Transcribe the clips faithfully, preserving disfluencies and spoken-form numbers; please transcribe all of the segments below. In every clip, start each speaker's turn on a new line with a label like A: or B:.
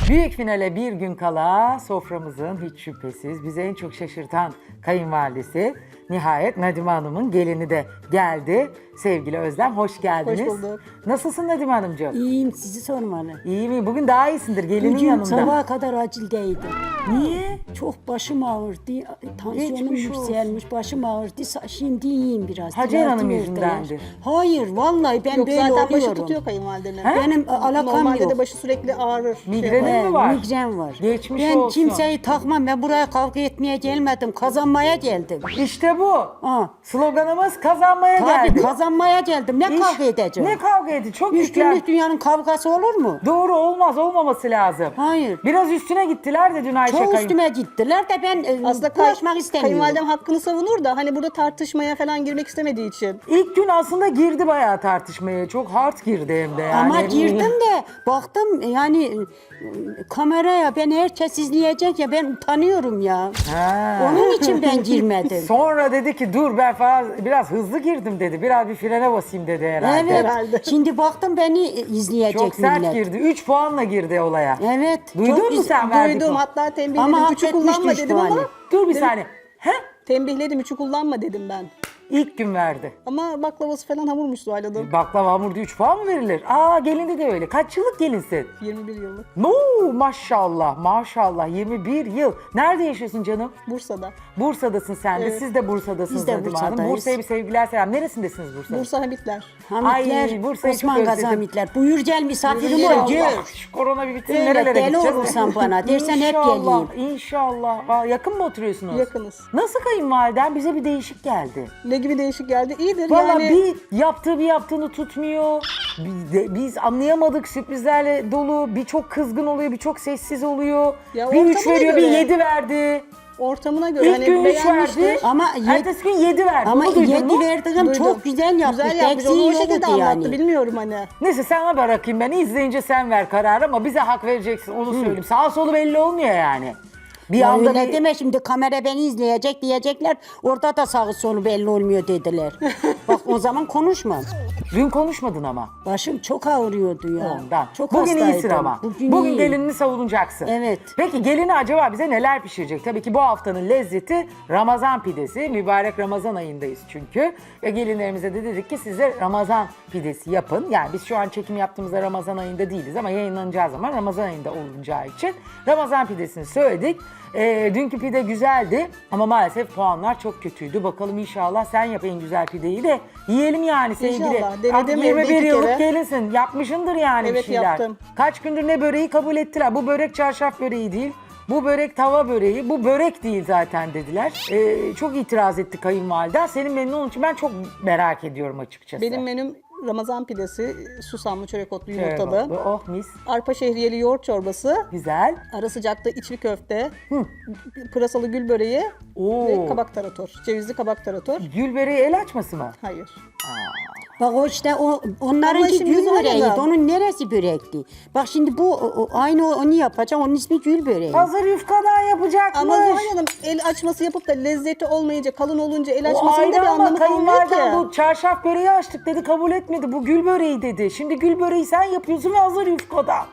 A: Büyük finale bir gün kala soframızın hiç şüphesiz bizi en çok şaşırtan kayınvalidesi nihayet Nadime Hanım'ın gelini de geldi. Sevgili Özlem hoş geldiniz.
B: Hoş bulduk.
A: Nasılsın Nadime Hanımcığım?
C: İyiyim, sizi sormalı.
A: İyi mi? Bugün daha iyisindir gelinin
C: Bugün
A: yanında.
C: sabaha kadar acildeydim.
A: Niye?
C: Çok başım ağrırdı, tansiyonum
A: Geçmiş olsun.
C: yükselmiş, başım ağrırdı. Sa- Şimdi iyiyim biraz.
A: Hacer
C: Tilavetim
A: Hanım
C: verdiler.
A: yüzündendir.
C: Hayır, vallahi ben
B: Yok
C: böyle
B: zaten başı
C: oluyorum.
B: tutuyor kayınvalidenin.
A: He?
C: Benim a- alakam
B: Normalde
C: yok.
B: de başı sürekli ağrır. Şey
A: Migrenin
B: yapar.
A: mi var?
C: Migren var.
A: Geçmiş
C: ben
A: olsun.
C: kimseyi takmam. Ben buraya kavga etmeye gelmedim. Kazanmaya geldim.
A: İşte bu.
C: Ha.
A: Sloganımız kazanmaya
C: Tabii
A: geldi.
C: kazanmaya geldim. Ne
A: İş-
C: kavga edeceğim?
A: Ne kavga edin? Çok
C: Üç
A: yüklen.
C: günlük dünyanın kavgası olur mu?
A: Doğru olmaz, olmaması lazım.
C: Hayır.
A: Biraz üstüne gittiler de dün Ayşe
C: Çok
A: kayın.
C: üstüme gittiler de ben e,
B: Aslında kay-
C: bulaşmak istemiyorum.
B: kayınvalidem hakkını savunur da hani burada tartışmaya falan girmek istemediği için.
A: İlk gün aslında girdi bayağı tartışmaya. Çok hard girdi hem de yani.
C: Ama girdim de baktım yani e, kameraya ben herkes izleyecek ya ben utanıyorum ya.
A: Ha.
C: Onun için ben girmedim.
A: Sonra dedi ki dur ben falan biraz hızlı girdim dedi. Biraz bir frene basayım dedi herhalde.
C: Evet.
B: herhalde.
C: Şimdi baktım beni izleyecek
A: Çok sert
C: millet.
A: girdi. üç puanla girdi olaya.
C: Evet.
A: Duydun
C: çok
A: mu
C: iz-
A: sen verdik
B: Duydum
A: o?
B: hatta tembihledim.
C: Ama
B: Üçü
C: hak
B: kullanma
C: etmişti
B: dedim
C: şu
B: ama.
C: hali.
A: Dur bir
B: Dedim-
A: saniye. He?
B: Tembihledim üçü kullanma dedim ben.
A: İlk gün verdi.
B: Ama baklavası falan hamurmuş Zuhal Hanım.
A: Baklava hamurda üç puan mı verilir? Aa gelindi de öyle. Kaç yıllık gelinsin?
B: yirmi bir yıllık.
A: No maşallah maşallah yirmi bir yıl. Nerede yaşıyorsun canım?
B: Bursa'da.
A: Bursa'dasın sen de.
B: Evet.
A: Siz de Bursa'dasınız
C: Biz de
A: Nadime Hanım.
C: Bursa'dayız.
A: Bursa'ya bir sevgiler selam. Neresindesiniz Bursa'da?
B: Bursa Hamitler.
C: Hamitler,
A: Ay, Bursa'yı çok
C: Osman Gazi
A: özledim.
C: Hamitler. Buyur gel misafirim
B: Buyur
C: ol
B: gel.
C: gör.
A: İnşallah şu korona bir bitsin
C: Öyle
A: nerelere
C: deli
A: gideceğiz?
C: olursan bana, dersen hep
A: İnşallah,
C: geleyim.
A: İnşallah. Aa, yakın mı oturuyorsunuz?
B: Yakınız.
A: Nasıl kayınvaliden? Bize bir değişik geldi.
B: Ne gibi değişik geldi? İyidir
A: Valla
B: yani.
A: bir yaptığı bir yaptığını tutmuyor. Biz, de- biz anlayamadık, sürprizlerle dolu. Bir çok kızgın oluyor, bir çok sessiz oluyor.
B: Ya
A: bir üç
B: ortamına
A: veriyor, bir
B: göre.
A: yedi verdi.
B: Ortamına göre
A: İlk
B: hani
A: gün üç
B: beğenmiştir.
A: verdi.
C: Ama yed-
A: Ertesi gün yedi verdi.
C: Ama
A: Onu duydun
C: yedi
A: mu?
C: verdiğim
B: Duydum.
C: çok güzel yapmış.
B: Güzel yapmış. Onu
C: Eksiği
B: o
C: yoktu
B: şekilde anlattı.
C: yani.
B: Bilmiyorum hani.
A: Neyse sana bırakayım ben. İzleyince sen ver kararı ama bize hak vereceksin. Onu söyleyeyim. Sağ solu belli olmuyor yani. Bir
C: Ya
A: anda
C: öyle
A: bir...
C: deme şimdi kamera beni izleyecek diyecekler. Orada da sağı solu belli olmuyor dediler. Bak o zaman konuşmam.
A: Dün konuşmadın ama.
C: Başım çok ağrıyordu ya.
A: Ondan.
C: Çok
A: Bugün
C: hastaydım.
A: iyisin ama. Bugün,
C: Bugün, iyiyim.
A: gelinini savunacaksın.
C: Evet.
A: Peki gelini acaba bize neler pişirecek? Tabii ki bu haftanın lezzeti Ramazan pidesi. Mübarek Ramazan ayındayız çünkü. Ve gelinlerimize de dedik ki size Ramazan pidesi yapın. Yani biz şu an çekim yaptığımızda Ramazan ayında değiliz ama yayınlanacağı zaman Ramazan ayında olunacağı için Ramazan pidesini söyledik. Ee, dünkü pide güzeldi ama maalesef puanlar çok kötüydü. Bakalım inşallah sen yap en güzel pideyi de yiyelim yani sevgili.
B: İnşallah. Denedim
A: Artık
B: evde
A: yirmi bir
B: iki
A: yıllık
B: kere.
A: gelinsin. Yapmışındır yani bir
B: Evet,
A: şeyler.
B: yaptım.
A: Kaç gündür ne böreği kabul ettiler. Bu börek çarşaf böreği değil. Bu börek tava böreği. Bu börek değil zaten dediler. Ee, çok itiraz etti kayınvaliden. Senin memnun olduğun için ben çok merak ediyorum açıkçası.
B: Benim menüm Ramazan pidesi, susamlı çörek otlu
A: Şöyle
B: yumurtalı.
A: oldu. Oh mis.
B: Arpa şehriyeli yoğurt çorbası.
A: Güzel.
B: Ara sıcakta içli köfte. Pırasalı gül böreği.
A: Oo.
B: Ve kabak tarator. Cevizli kabak tarator.
A: Gül böreği el açması mı?
B: Hayır.
C: Bak o işte o onlarınki
B: Ama şimdi
C: gül
B: Zuhal
C: böreğiydi.
B: Hanım.
C: Onun neresi börekti? Bak şimdi bu o- o- aynı o- onu yapacağım. Onun ismi gül böreği.
A: Hazır yufkadan yapacakmış.
B: Ama Zuhal Hanım el açması yapıp da lezzeti olmayınca, kalın olunca el
A: O
B: açmasının
A: ayrı
B: da bir
A: ama
B: anlamı kalmıyor ki.
A: kayınvaliden bu çarşaf böreği açtık dedi kabul etmedi. Bu gül böreği dedi. Şimdi gül böreği sen yapıyorsun ve hazır yufkadan.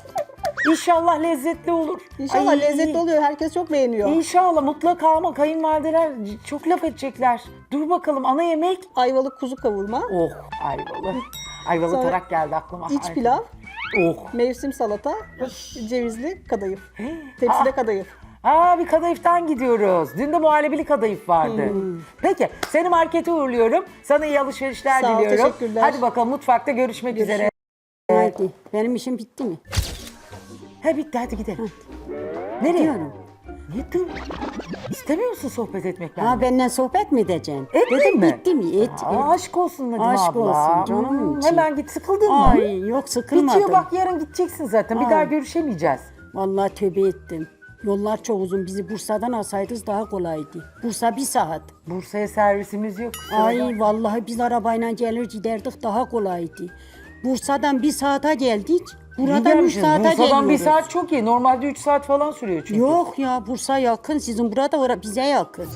A: İnşallah lezzetli olur.
B: İnşallah
A: Ay,
B: lezzetli oluyor. Herkes çok beğeniyor.
A: İnşallah mutlaka ama kayınvalideler çok laf edecekler. Dur bakalım ana yemek.
B: Ayvalık kuzu kavurma.
A: Oh ayvalı. Ayvalı
B: Sonra
A: tarak geldi aklıma.
B: iç
A: Ay.
B: pilav.
A: Oh.
B: Mevsim salata. Cevizli kadayıf. Tepside
A: Aa.
B: kadayıf.
A: Aa bir kadayıftan gidiyoruz. Dün de muhallebili kadayıf vardı.
B: Hmm.
A: Peki seni markete uğurluyorum. Sana iyi alışverişler
B: Sağ ol,
A: diliyorum.
B: teşekkürler.
A: Hadi bakalım mutfakta görüşmek üzere.
C: Haydi. Benim işim bitti mi?
A: He bitti hadi gidelim. Nereye?
C: Gidiyorum.
A: Niye dur? İstemiyor musun sohbet etmek benimle?
C: Ha benden sohbet mi edeceksin?
A: Etmeyeyim
C: Dedim
A: mi?
C: bitti mi? Et.
A: Aa,
C: et.
A: aşk olsun Nadime
C: Aşk
A: abla.
C: olsun canımın
A: Hmm,
C: içi.
A: Hemen git sıkıldın mı?
C: Ay yok sıkılmadım.
A: Bitiyor bak yarın gideceksin zaten. Bir
C: Ay.
A: daha görüşemeyeceğiz.
C: Vallahi tövbe ettim. Yollar çok uzun. Bizi Bursa'dan alsaydınız daha kolaydı. Bursa bir saat.
A: Bursa'ya servisimiz yok.
C: Ay vallahi biz arabayla gelir giderdik daha kolaydı. Bursa'dan bir saate geldik. Buradan üç saate
A: Bursa'dan
C: geliyoruz.
A: bir saat çok iyi. Normalde üç saat falan sürüyor çünkü.
C: Yok ya Bursa yakın. Sizin burada ora- bize yakın.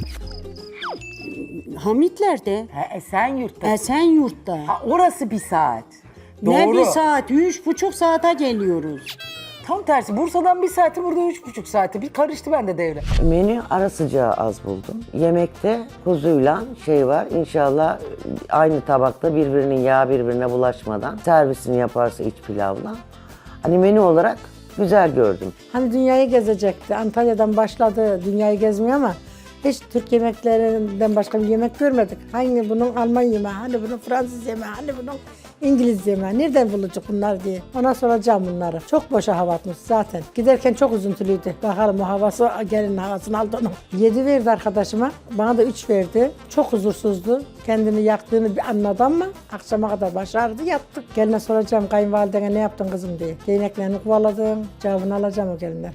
C: Hamitler'de.
A: He, Esenyurt'ta.
C: Esenyurt'ta.
A: Ha, orası bir saat.
C: Ne
A: Doğru.
C: bir saat? Üç buçuk saate geliyoruz.
A: Tam tersi. Bursa'dan bir saati, burada üç buçuk saati. Bir karıştı bende devre.
D: Menü ara sıcağı az buldum. Yemekte kuzuyla şey var. İnşallah aynı tabakta birbirinin yağı birbirine bulaşmadan servisini yaparsa iç pilavla. Hani menü olarak güzel gördüm.
E: Hani dünyayı gezecekti. Antalya'dan başladı dünyayı gezmeye ama hiç Türk yemeklerinden başka bir yemek görmedik. Hani bunun Alman yemeği, hani bunun Fransız yemeği, hani bunun İngiliz yemeği. Nereden bulacak bunlar diye. Ona soracağım bunları. Çok boşa hava atmış zaten. Giderken çok üzüntülüydü. Bakalım o havası, gelin havasını aldı onu. Yedi verdi arkadaşıma. Bana da üç verdi. Çok huzursuzdu. Kendini yaktığını bir anladı ama akşama kadar başardı, yattık. Geline soracağım, kayınvalidene ne yaptın kızım diye. Değneklerini kovaladım. Cevabını alacağım o gelinden.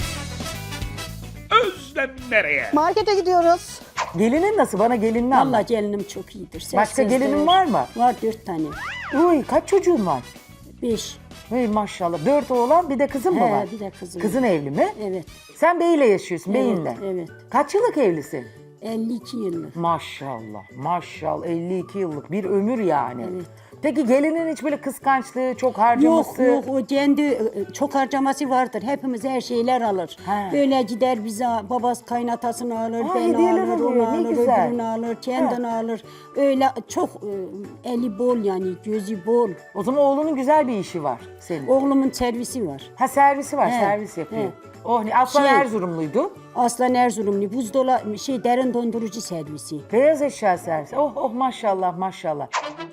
F: Özlem nereye?
B: Markete gidiyoruz.
A: Gelinin nasıl? Bana gelinini anlat.
C: Vallahi gelinim çok iyidir. Ses
A: Başka
C: sözler.
A: gelinin var mı?
C: Var dört tane.
A: Uy, kaç çocuğun var?
C: Beş.
A: Hey maşallah. Dört oğlan, bir de kızın mı
C: He,
A: var?
C: bir de kızım.
A: Kızın evli mi?
C: Evet.
A: Sen beyle yaşıyorsun, beyinle.
C: evet.
A: Kaç yıllık evlisin?
C: elli iki yıllık.
A: Maşallah, maşallah. elli iki yıllık bir ömür yani.
C: Evet.
A: Peki gelinin hiç böyle kıskançlığı, çok
C: Yok
A: harcaması?
C: yok o kendi e, çok harcaması vardır. Hepimiz her şeyler alır.
A: He.
C: Böyle gider bize babası kaynatasını alır,
A: Ha,
C: beni
A: hediyeler
C: alır,
A: alıyor,
C: onu
A: ne
C: alır,
A: güzel.
C: öbürünü alır, kendini alır. Öyle çok e, eli bol yani gözü bol.
A: O zaman oğlunun güzel bir işi var senin.
C: Oğlumun servisi var.
A: Ha servisi var,
C: He,
A: servis yapıyor.
C: he.
A: Oh ne, Aslan
C: Şey-
A: Erzurumluydu.
C: Aslan Erzurumlu buzdolabı şey derin dondurucu servisi.
A: Beyaz eşya servisi. Oh oh maşallah maşallah.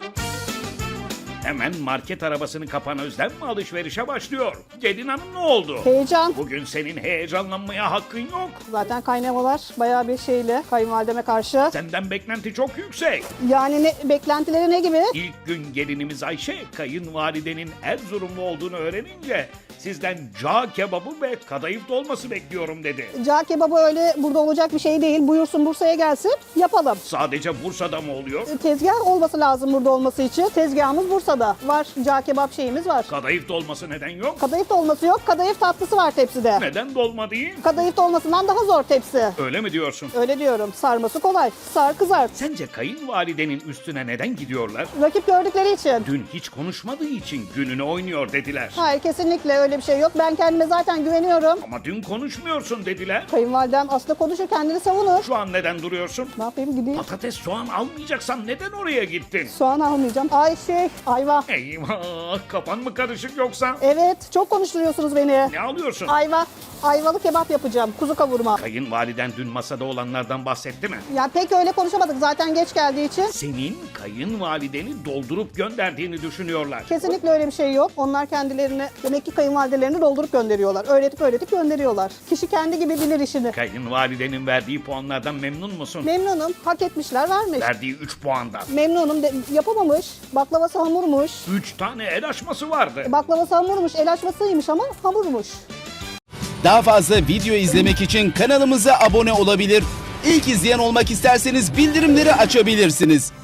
F: Hemen market arabasını kapan Özlem mi alışverişe başlıyor? Gelin hanım ne oldu?
B: Heyecan.
F: Bugün senin heyecanlanmaya hakkın yok.
B: Zaten kaynamalar bayağı bir şeyle kayınvalideme karşı.
F: Senden beklenti çok yüksek.
B: Yani ne, beklentileri ne gibi?
F: İlk gün gelinimiz Ayşe, kayınvalidenin Erzurumlu olduğunu öğrenince sizden cağ kebabı ve kadayıf dolması bekliyorum dedi.
B: Cağ kebabı öyle burada olacak bir şey değil. Buyursun Bursa'ya gelsin, yapalım.
F: Sadece Bursa'da mı oluyor?
B: Tezgah olması lazım burada olması için. Tezgahımız Bursa'da. Var, cağ kebap şeyimiz var.
F: Kadayıf dolması neden yok?
B: Kadayıf dolması yok, kadayıf tatlısı var tepside.
F: Neden dolma değil?
B: Kadayıf dolmasından daha zor tepsi.
F: Öyle mi diyorsun?
B: Öyle diyorum, sarması kolay. Sar kızart.
F: Sence kayınvalidenin üstüne neden gidiyorlar?
B: Rakip gördükleri için.
F: Dün hiç konuşmadığı için gününü oynuyor dediler.
B: Hayır, kesinlikle öyle bir şey yok. Ben kendime zaten güveniyorum.
F: Ama dün konuşmuyorsun dediler.
B: Kayınvalidem aslında konuşur, kendini savunur.
F: Şu an neden duruyorsun?
B: Ne yapayım, gideyim.
F: Patates, soğan almayacaksan neden oraya gittin?
B: Soğan almayacağım. Ay şey, ayva.
F: Eyvah, kafan mı karışık yoksa?
B: Evet, çok konuşturuyorsunuz beni.
F: Ne alıyorsun?
B: Ayva. Ayvalı kebap yapacağım, kuzu kavurma.
F: Kayınvaliden dün masada olanlardan bahsetti mi?
B: Ya pek öyle konuşamadık zaten geç geldiği için.
F: Senin kayınvalideni doldurup gönderdiğini düşünüyorlar.
B: Kesinlikle öyle bir şey yok. Onlar kendilerini, demek ki kayınvalidelerini doldurup gönderiyorlar. Öğretip öğretip gönderiyorlar. Kişi kendi gibi bilir işini.
F: Kayınvalidenin verdiği puanlardan memnun musun?
B: Memnunum. Hak etmişler, vermiş.
F: Verdiği üç puandan.
B: Memnunum. De, yapamamış. Baklavası hamurmuş.
F: üç tane el açması vardı.
B: Baklavası hamurmuş. El açmasıymış ama hamurmuş.
G: Daha fazla video izlemek için kanalımıza abone olabilir. İlk izleyen olmak isterseniz bildirimleri açabilirsiniz.